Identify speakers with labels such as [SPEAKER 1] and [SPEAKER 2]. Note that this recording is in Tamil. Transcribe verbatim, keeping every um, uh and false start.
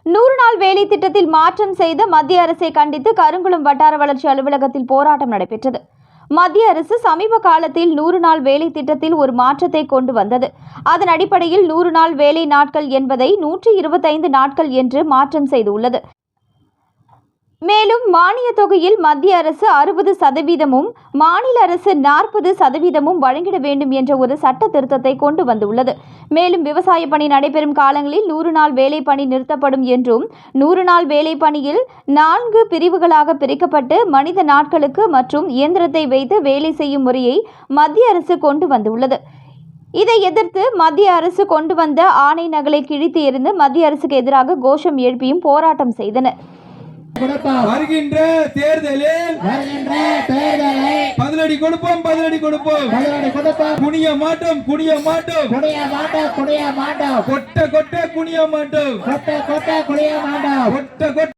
[SPEAKER 1] நூறு நாள் வேலை திட்டத்தில் மாற்றம் செய்த மத்திய அரசை கண்டித்து கருங்குளம் வட்டார வளர்ச்சி அலுவலகத்தில் போராட்டம் நடைபெற்றது. மத்திய அரசு சமீப காலத்தில் நூறு நாள் வேலை திட்டத்தில் ஒரு மாற்றத்தை கொண்டு வந்தது. அதன் அடிப்படையில் நூறு நாள் வேலை நாட்கள் என்பதை நூற்றி இருபத்தைந்து நாட்கள் என்று மாற்றம் செய்துள்ளது. மேலும் மானிய தொகையில் மத்திய அரசு அறுபது சதவீதமும் மாநில அரசு நாற்பது சதவீதமும் வழங்கிட வேண்டும் என்ற ஒரு சட்ட திருத்தத்தை கொண்டு வந்துள்ளது. மேலும் விவசாய பணி நடைபெறும் காலங்களில் நூறு நாள் வேலை பணி நிறுத்தப்படும் என்றும், நூறு நாள் வேலை பணியில் நான்கு பிரிவுகளாக பிரிக்கப்பட்டு மனித நாட்களுக்கு மற்றும் இயந்திரத்தை வைத்து வேலை செய்யும் முறையை மத்திய அரசு கொண்டு வந்துள்ளது. இதை எதிர்த்து மத்திய அரசு கொண்டு வந்த ஆணை நகலை கிழித்து எறிந்து மத்திய அரசுக்கு எதிராக கோஷம் எழுப்பியும் போராட்டம் செய்தனர்.
[SPEAKER 2] வருகின்ற தேர்தலில் பதிலடி கொடுப்போம் பதிலடி கொடுப்போம் குனிய மாட்டோம் குனிய மாட்டோம்
[SPEAKER 3] குனிய மாட்டோம் குனிய மாட்டோம்
[SPEAKER 2] கொட்ட கொட்ட குனிய மாட்டோம்
[SPEAKER 3] கொட்ட கொட்ட குனிய மாட்டோம்
[SPEAKER 2] கொட்ட கொட்ட